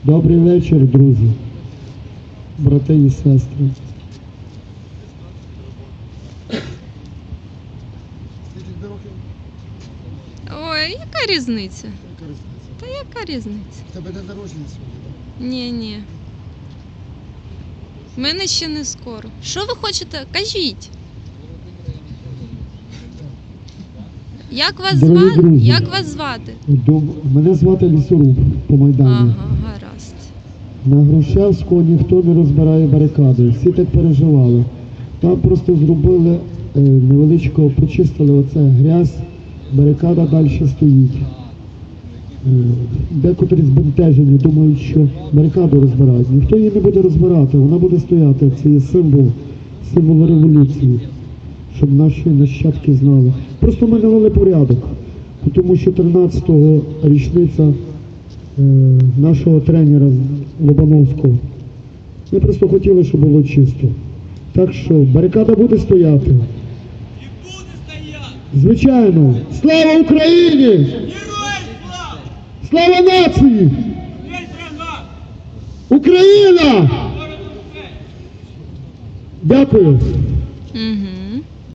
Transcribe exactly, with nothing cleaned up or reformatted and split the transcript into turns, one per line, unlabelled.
Добрий вечір, друзі, брати і сестри.
Ой, яка різниця?
Яка різниця?
Та яка різниця?
В тебе день народження сьогодні, так?
Ні, ні. В мене ще не скоро. Що ви хочете? Кажіть. Як вас
Дорогі
звати?
друзі.
Як вас звати?
Доб- Мене звати Лісоруб по Майдані.
Ага, гаразд.
На Грушевського ніхто не розбирає барикади, всі так переживали. Там просто зробили е, невеличко, почистили оце грязь, барикада далі стоїть. Е, декотрі збентежені думають, що барикаду розбирають. Ніхто її не буде розбирати, вона буде стояти. Це є символ, символ революції, щоб наші нащадки знали. Просто ми навели порядок, тому що тринадцятого річниця е, нашого тренера Лобановського. Ми просто хотіли, щоб було чисто. Так що барикада буде стояти.
І буде стояти!
Звичайно. Слава Україні!
Героям слава!
Слава нації!
Весь врага!
Україна!
Ворог Україна!
Дякую.
Угу.